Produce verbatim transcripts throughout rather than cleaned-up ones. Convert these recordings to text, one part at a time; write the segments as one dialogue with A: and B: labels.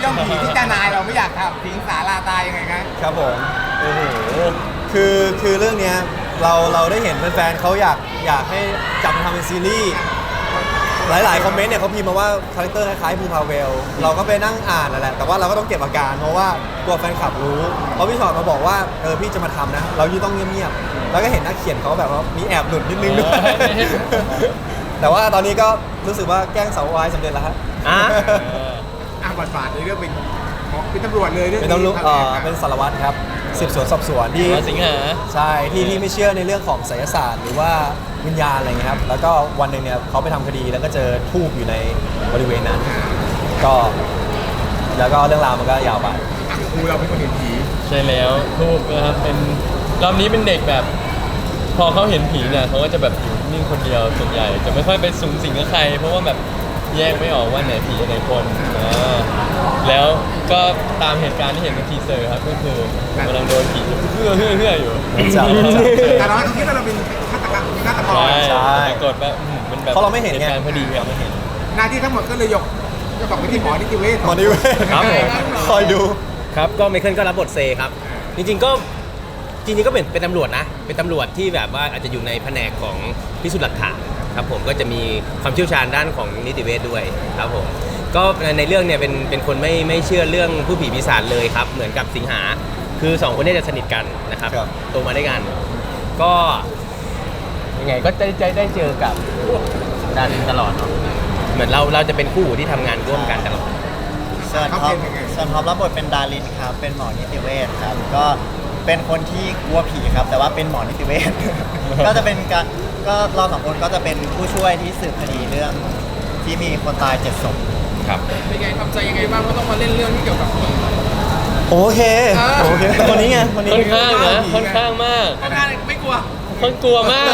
A: ย่อมผีที่เจ้านายเราไม่อยากทำทิ้งสาลาตายยังไงครับ
B: ครับผมโอ้โหคือคือเรื่องเนี้ยเราเราได้เห็นแฟนๆเขาอยากอยากให้จับมาทำเป็นซีรีส์หลายๆคอมเมนต์เนี่ยเขาพิมพ์มาว่าคาแรคเตอร์คล้ายๆภูพาเวลเราก็ไปนั่งอ่านนั่นแหละแต่ว่าเราก็ต้องเก็บอาการเพราะว่ากลัวแฟนคลับรู้เพราะพี่ชอตมาบอกว่าเออพี่จะมาทำนะเรายิ่งต้องเงียบๆแล้วก็เห็นนักเขียนเขาแบบว่ามีแอบหลุดนิดนึงด้วยแต่ว่าตอนนี้ก็รู้สึกว่าแกล้งสาววายสำเร็จแล้วฮะ
C: อ่ะ
A: อ่ะบทบาทในเรื่องเป็นเป็นตำรวจเลยเรื่อง
B: เป็นตำรวจเออเป็นสารวัตรครับสืบสวนสอบสวนที่
C: สิงหา
B: ใช่ที่ที่ไม่เชื่อในเรื่องของไสยศาสตร์หรือว่าวิญญาณอะไรเงี้ยครับแล้วก็วันหนึ่งเนี่ยเขาไปทำคดีแล้วก็เจอทูบอยู่ในบริเวณนั้นก็แล้วก็เรื่องราวมันก็ยาวไป
A: ครูเราเป็นคนเห็นผี
C: ใช่แล้วทูบนะครับเป็นรอบนี้เป็นเด็กแบบพอเขาเห็นผีเนี่ยเขาก็จะแบบอยู่นิ่งคนเดียวส่วนใหญ่จะไม่ค่อยไปสูงสิงกับใครเพราะว่าแบบแยกไม่ออกว่าไหนผีไหนคนนะแล้วก็ตามเหตุการณ์ที่เห็นในทีเซอร์ครับก็คือกำลังโดนผีเพื่อเพื่อเพื่ออยู่
A: แต่เราคิดว่าเราเป็นฆาตกรรมฆาตกร
B: ใช่
C: กดแบบมันแบบ
B: เพราะเราไม่เห็นไง
C: พอดีเราไม่เห็น
A: หน้าที่ทั้งหมดก็เลยยกจะบอกไปที่หมอนิติเวช
B: หมอนิติเวช
C: ครับ
B: คอยดู
D: ครับก็ไมเคิลก็รับบทเซครับจริงๆก็จริงๆก็เป็นเป็นตำรวจนะเป็นตำรวจที่แบบว่าอาจจะอยู่ในแผนกของพิสูจน์หลักฐานครับผมก็จะมีความเชี่ยวชาญด้านของนิติเวชด้วยครับผมก็ในเรื่องเนี่ยเป็นเป็นคนไม่ไม่เชื่อเรื่องผู้ผีปีศาจเลยครับเหมือนกับสิงหาคือสองคนนี้จะสนิทกันนะครับโตมาด้วยกันก็ยังไงก็ได้ได้ได้เจอกับดันตลอดเนาะเหมือนเราเราจะเป็นคู่ที่ทำงานร่วมกันตลอด
E: ส่วนท็อปส่วนท็อปรับบทเป็นดารินครับเป็นหมอนิติเวชครับก็เป็นคนที่กลัวผีครับแต่ว่าเป็นหมอนิติเวช ก็จะเป็นการก็เราสองคนก็จะเป็นผู้ช่วยที่สืบคดีเรื่องที่มีคนตายเจ็ดศพ
C: ครับ
A: เป็นไงทำใจยังไงบ้างว่าต้องมาเล่นเรื่องที่เกี่ยวกับผี
B: โอเคโอเคคนนี้ไงคนนี้
C: ค่อนข้างนะค่อนข้างมาก
A: ค่อนข้างไม่กลัว
C: คนกลัวมาก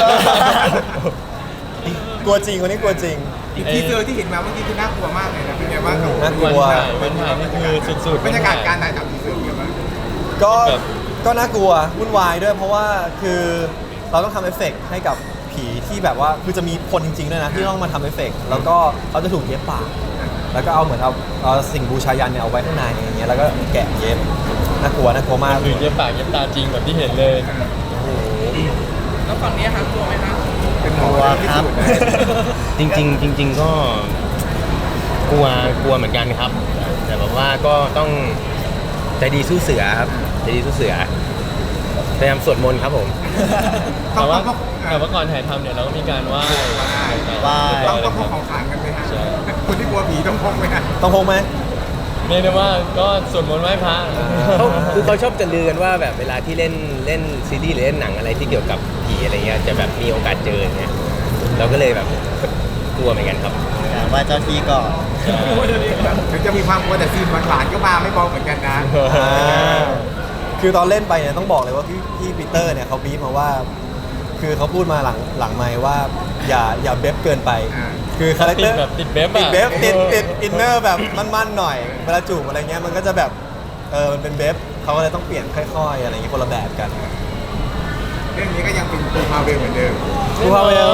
B: กลัวจริงคนนี้กลัวจริง
A: อีกทีเจอที่เห็นมาเมื่อกี้คือน่ากลัวมากเลยนะเป็นไงบ้าง
B: น่ากลัว
C: มันถ่ายนี่คือสุดๆ
A: บรรยากาศการถ่ายทำทีเซอร์เป็นไงบ้าง
B: ก็ก็น่ากลัววุ่นวายด้วยเพราะว่าคือเราต้องทำเอฟเฟกต์ให้กับผีที่แบบว่าคือจะมีคนจริงๆด้วยนะที่ต้องมาทำเอฟเฟกต์แล้วก็เขาจะถูกเย็บปากแล้วก็เอาเหมือนเอาเอาสิ่งบูชายันเนี่ยเอาไว้ข้างในอย่างเงี้ยแล้วก็แกะเย็บน่ากลัวน่ากลัวมาก
C: คือเย็บปากเย็บตาจริงแบบที่เห็นเลย
A: โอ้โหแล้วฝั่งนี้ครับกลัวไหมครับ
E: เป็นกลัวครับ
D: จริงๆจริงๆก็กลัวกลัวเหมือนกันครับแต่แบบว่าก็ต้องใจดีสู้เสือครับใจดีสู้เสือพยายามสวดมนต์ครับผม
C: แต่ว่าแต่ว่าก่อนถ่ายทำเนี่ยเราก็มีการไหว้
E: ไหว้
A: ต้องต้องพกของขลังกันไหมฮะคนที่กลัวผีต้องพกไหมฮะ
B: ต้องพกไหม
C: เรียกได้ว่าก็สวดมนต์ไหว้พระ
D: เขาคือเขาชอบจะลือกันว่าแบบเวลาที่เล่นเล่นซีรีส์หรือเล่นหนังอะไรที่เกี่ยวกับผีอะไรเงี้ยจะแบบมีโอกาสเจออย่างเงี้ยเราก็เลยแบบกลัวเหมือนกันครับ
E: ไหว้เจ้าที่ก่อน
A: ถึงจะมีความกลัวแต่ซีนหวานๆก็มาไม่เบาเหมือนกันนะ
B: คือตอนเล่นไปเนี่ยต้องบอกเลยว่าพี่พี่ปีเตอร์เนี่ยเขาบีบมาว่าคือเขาพูดมาหลังหลังไมค์ว่าอย่าอย่าเบฟเกินไปคือคาแรคเตอร์
C: แบบติดเบฟ
B: ติดเบฟติดติดอินเนอร์แบบมั่นๆหน่อยเวลาจูบอะไรเงี้ยมันก็จะแบบเออมันเป็นเบฟเขาก็เลยต้องเปลี่ยนค่อยๆอะไรเงี้ยคนละแบบกัน
A: เรื่องนี้ก็ยังเป็นภูพาเวลเหมือนเดิม
B: ภูพาเวล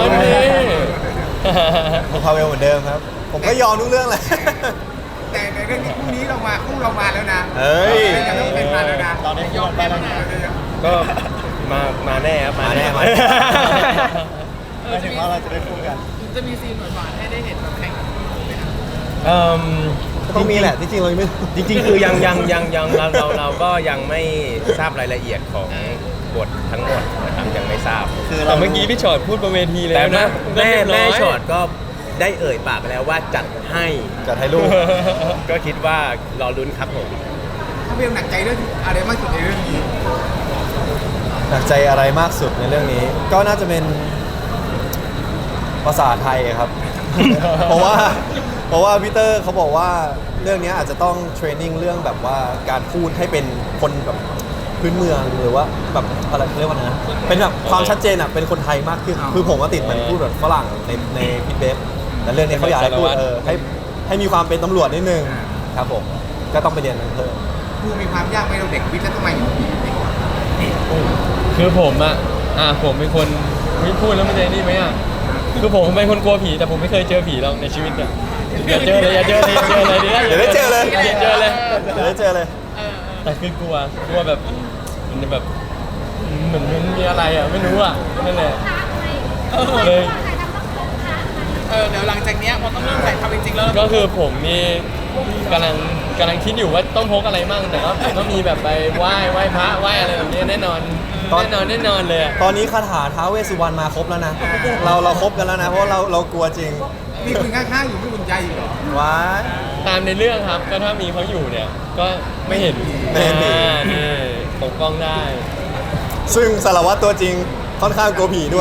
B: ภูพาเวลเหมือนเดิมครับผมก็ยอมทุกเรื่องเลย
A: แต่ในเรื่องนี้คู่นี้เรามาคู่เรามาแล้วนะ
B: เฮ้ย
A: ยังต้องเป็นมาแล้วนะ
E: ตอนนี้ยอมไปแล้วนะ
D: ก็มามาแน่ครับมาแน่มา
E: หมายถึงว่าเราจะได้คู่กัน
A: จะมีซีนหวานๆให้ได้เห็นแบบแข่งกันไหมครับ
D: เอ่อ
B: ต้องมีแหละจริงๆเราไม่
D: จริงๆคือยังยังยังยังเราเราเราก็ยังไม่ทราบรายละเอียดของบททั้งหมดนะครับยังไม่ทราบ
C: คือเราเมื่อกี้พี่ชอตพูดบนเวทีเลย
D: นะแม่แม่ชอตก็ได้เอ่ยปากไปแล้วว่าจัดให้
B: จัดให้ลูก
D: ก็คิดว่ารอลุ้นครับผม
A: ถ้าเบลหนักใจเรื่องอะไรมากสุดในเรื่องนี้
B: หนักใจอะไรมากสุดในเรื่องนี้ก็น่าจะเป็นภาษาไทยครับเพราะว่าเพราะว่าพีเตอร์เขาบอกว่าเรื่องนี้อาจจะต้องเทรนนิ่งเรื่องแบบว่าการพูดให้เป็นคนแบบพื้นเมืองหรือว่าแบบอะไรเรียกว่านะเป็นแบบความชัดเจนอ่ะเป็นคนไทยมากขึ้นคือผมว่าติดมันพูดแบบฝรั่งในในพิทเบฟแต่เรื่องนี้เขาอยากให้พูดเออให้ให้มีความเป็นตำรวจนิดนึงครับผมก็ต้องไปเรียนเพิ่ม
A: คือมีความยากไหมเราเด็กวิทย์แล้วทำไมอยู่ผี
C: คือผมอ่ะอ่าผมเป็นคนไม่พูดแล้วมันจะนี่ไหมอ่ะคือผมเป็นคนกลัวผีแต่ผมไม่เคยเจอผีหรอกในชีวิตเนี่ยอย่าเจอเลยอย่าเจอเลยอย่าเจอเลยดิ
B: เดี๋ยวได้เจอเลย
C: อย่าเจอเลย
B: เดี๋ยวได้เจอเลย
C: แต่คือกลัวกลัวแบบมันแบบเหมือนมันมีอะไรอ่ะไม่รู้อ่ะนั่นแหละเลย
F: เออเดี๋ยวหลังจากเนี้ยพอต้องเริ่มถ่ายทำจริงๆแล้ว
C: ก็คือผมนี่กำลังกำลังคิดอยู่ว่าต้องพกอะไรมั่งแต่ก็ก็มีแบบไปไหว้ไหว้พระไหว้อะไรแบบนี้แน่นอน
B: ตอน
C: แน่นอนแน่นอนเลยอะ
B: ตอนนี้คาถาท้าวเวสสุวรรณมาครบแล้วนะ เราเราครบกันแล้วนะ เพราะเราเรากลัวจริง
A: มีคุณข้างๆอยู่ไม่อุ่นใจอีกเหรอ
B: ว้าย
C: ตามในเรื่องครับก็ถ้ามีเขาอยู่เนี่ยก็ไม่เห็น
B: ไม่เห็นผี
C: อ่านี่ปกป้องได้
B: ซึ่งสารวัตรตัวจริงค่อนข้างกลัวผีด้วย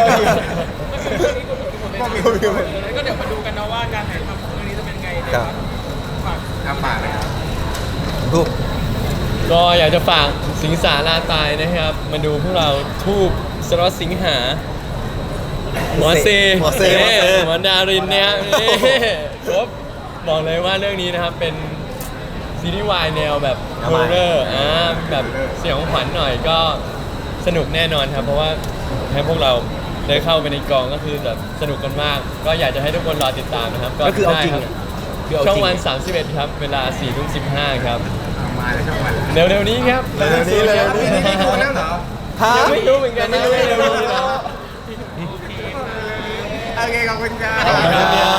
A: ก็มี
F: ก็เดี๋ยวมาดูกันนะว่าการถ่ายทำของเรื่องนี้จะเป็นไงเดี๋ยว
B: ครับ
F: ฝาก
A: อาปากเลยครับ
B: รูป
C: ก็อยากจะฝากสิงสาราตายนะครับ มาดูพวกเราทูบสล็อตสิงหาหมอเซ
B: หมอเซหมอเซ
C: หมอดารินเนี่ยนี่ครบบอกเลยว่าเรื่องนี้นะครับเป็นซีรีส์วายแนวแบบโฮเรอร์อ่าแบบเสียงขวัญหน่อยก็สนุกแน่นอนครับ เพราะว่าให้พวกเราได้เข้าไปในกองก็คือแบบสนุกกันมาก ก็อยากจะให้ทุกคนรอติดตามนะครับ
D: ก็คือเอาจริง
C: ได้
D: อะ
C: ค
D: คือ
C: รับ
D: เอาจริง
C: ช่องวัน สามสิบเอ็ด ครับ เวลาสี่ทุ่มสิบห้าครับ
A: มาแล้วช่องวัน
C: เร็วๆนี้ครับ
B: เร็วๆนี้เร็วๆนี้
A: นี่ได้ดูแล้วเหรอ
B: ฮะ
C: ยังไม่รู้เหมือนกันนะเร็วๆนี้นะ
A: โอเคขอบคุณครับ
C: ขอบคุณครับ